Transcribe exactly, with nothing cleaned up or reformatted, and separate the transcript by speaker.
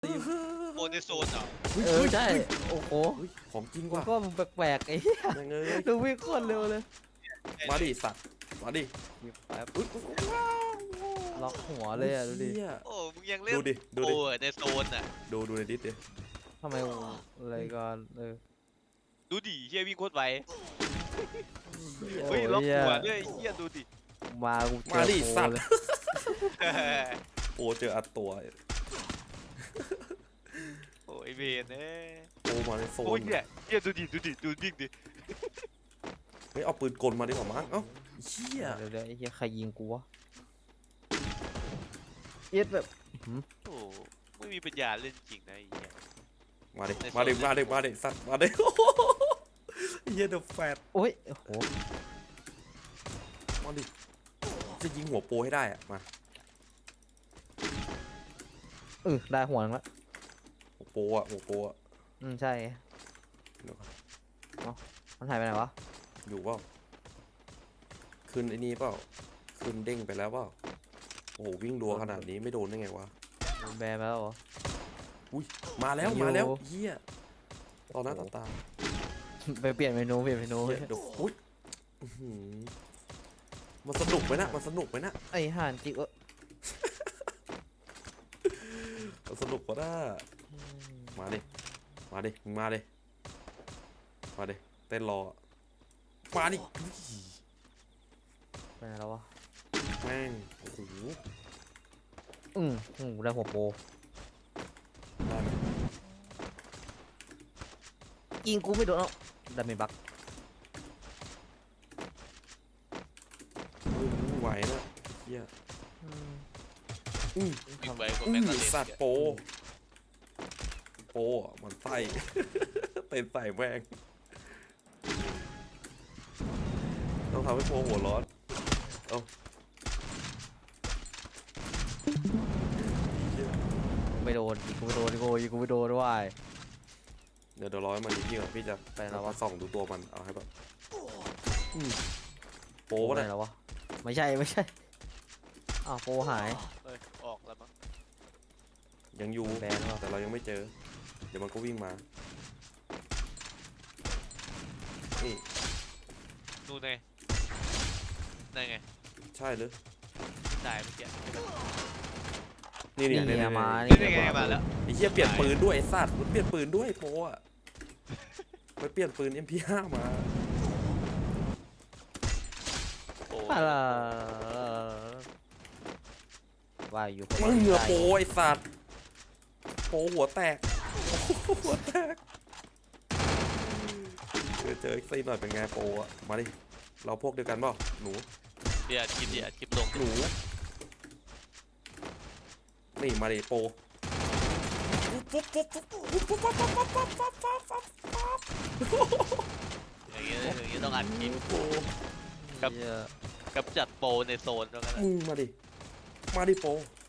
Speaker 1: โมในโซนเหรอ
Speaker 2: เออใช่โอ้โห
Speaker 3: ของจริง
Speaker 2: กู
Speaker 3: ว่ะ
Speaker 2: ก็มึงแปลกๆไอ้เหี้ย
Speaker 3: ยังไงเลย
Speaker 2: ดูวิ่งโคตรเร็วเลย
Speaker 3: มาดิสัตว์มาดิ
Speaker 2: หยิบแป๊บ
Speaker 3: อุ๊ย
Speaker 2: ล็อกหัวเลยอ่ะดูดิ
Speaker 3: เหี้ย
Speaker 1: โอ้มึงยังเล่น
Speaker 3: ดูดิดู
Speaker 1: โอ้
Speaker 3: ดิ
Speaker 1: ในโซนอ่ะ
Speaker 3: ดูดูในดิสดิ
Speaker 2: ทำไมอะไรก่อนเออ
Speaker 1: ดูดิเฮียวิ่งโคตรไว
Speaker 2: โอ้
Speaker 1: เฮ้ย
Speaker 2: ย
Speaker 1: ล็อก
Speaker 2: เหี้ย
Speaker 1: หัวด้วยเฮียดูดิ
Speaker 2: มากูเจอ
Speaker 3: มาดิ
Speaker 2: โปร
Speaker 3: สัตว์
Speaker 2: เลย
Speaker 3: โอ้เจออัดตัว
Speaker 1: โอ้ยเบนเอ้ย
Speaker 3: โอ้มาในโซ
Speaker 1: โอ้ย
Speaker 3: น
Speaker 1: เฮียเฮียดูดิดูดิดูดิดิ
Speaker 3: เฮ้ยเอาปืนกลมาดีกว่ามั้งเอ้าเชี่ย
Speaker 2: เดี๋ยวเดี๋ยวไอ้เหี้ยใครยิงกูวะเอ็ดแบบหืม
Speaker 1: โอ้ไม่มีปัญญาเล่นจริงนะไอ้เฮีย
Speaker 3: มาดิ
Speaker 1: ในโซน
Speaker 3: มาดิมาดิมาดิสัตว์มาดิเหี้ยเดอะแฟต
Speaker 2: โอ้ยโอ้โห
Speaker 3: มาดิจะยิงหัวโปให้ได้อะมา
Speaker 2: เออได้หัวนึงละ
Speaker 3: หัวโปอะหัวโปอะ
Speaker 2: อืมใช่
Speaker 3: เดี๋ยวก่อน
Speaker 2: มันหายไปไหนวะ
Speaker 3: อยู่เปล่าขึ้นไอ้นี่เปล่าขึ้นเด้งไปแล้วเปล่าโอ้โหวิ่งรัวขนาดนี้ไม่โดนได้ไงวะ
Speaker 2: แบนไปแล้วเหรอ
Speaker 3: อุ้ยมาแล้ว
Speaker 2: อยู่
Speaker 3: มาแล้วเฮียตอนหน้าต่อตา
Speaker 2: ไปเปลี่ยนเมนูเปลี่ยนเมนู
Speaker 3: เฮียเดี๋ยวอุ้ยอื้อหือมันสนุกไหมนะมันสนุกไหมนะ
Speaker 2: ไอ้ห่านจิกเออ
Speaker 3: มันสนุกกว่าน่ามาดิมาดิมึงมาดิมาดิเต้นรอมาดิอุ้ย
Speaker 2: ไปไหนแล้ววะ
Speaker 3: แม่งโอ้โห
Speaker 2: อืมอืมได้หัวโปร
Speaker 3: ได้ไหม
Speaker 2: ยิงกูไม่โดนเอ้าดาเมจบัก
Speaker 3: อุ้ยมึงไหวนะเฮีย
Speaker 2: อืม
Speaker 3: อือ
Speaker 1: วิ่งไปกว่า
Speaker 3: อื
Speaker 1: แม่ง
Speaker 3: อ
Speaker 1: ก็เล่น
Speaker 3: สัตว์โปโปอะมันไส้ เต้นใส่แม่งต้องทำให้โปหัวร้อนเอ้าเหี้ย
Speaker 2: ไม่โดนยิงกูไม่โดนยิงกูยิงกูไม่โดนด้วย
Speaker 3: เดี๋ยวเดี๋ยวร้อยมันดีพี่ก่อนพี่จะ
Speaker 2: ไปแล้ววะ
Speaker 3: ส่องดูตัวมันเอาให้แบบอืมโป
Speaker 2: ไป
Speaker 3: วะ
Speaker 2: ไหน
Speaker 3: เนี่ย
Speaker 2: แล้ววะไม่ใช่ไม่ใช่อ้าวโปรหาย
Speaker 1: เอ้ยออกแล้วมั้ง
Speaker 3: ยังอยู่
Speaker 2: แบนวะ
Speaker 3: แต่เรายังไม่เจอ เดี๋ยวมันก็วิ่งมานี่
Speaker 1: นู่นไงนั่นไง
Speaker 3: ใช่หรือ
Speaker 1: ได้เมื่อกี้
Speaker 3: นี่
Speaker 2: นี่
Speaker 3: นี่
Speaker 2: ไง
Speaker 3: นี่
Speaker 2: มา
Speaker 1: นี่ไงมาแล้ว
Speaker 3: ไอ้เหี้ยเปลี่ยนปืนด้วยไอ้สัตว์มันเปลี่ยนปืนด้วยโปอะไปเปลี่ยนปืน เอ็ม พี ห้า มา
Speaker 1: โอ้
Speaker 2: อะไรว่าอยู่คน
Speaker 3: มึงเหงื่อ
Speaker 2: ใจ
Speaker 3: โปไอ้สัตว์โปหัวแตกหัวแตกเจอเจออีกซีหน่อยเป็นไงโปอะมาดิเราพวกเดียวกันเปล่าหนู
Speaker 1: เดี๋ยวคลิปเดี๋ยวคลิปลง
Speaker 3: หนูนี่มาดิโปปุ๊บปุ๊บปุ๊บปุ๊บปุ๊บปุ๊บปุ๊บปุ๊บปุ๊บปุ๊บปุ๊บปุ๊บ
Speaker 1: อย่างเงี้ยอย่างเงี้ยต้องอัดคลิป
Speaker 3: โป
Speaker 1: ครับ
Speaker 2: เหี้ย
Speaker 1: กับจัดโปรในโซนแล้วกันนะ
Speaker 3: มึงมาดิมาดิโป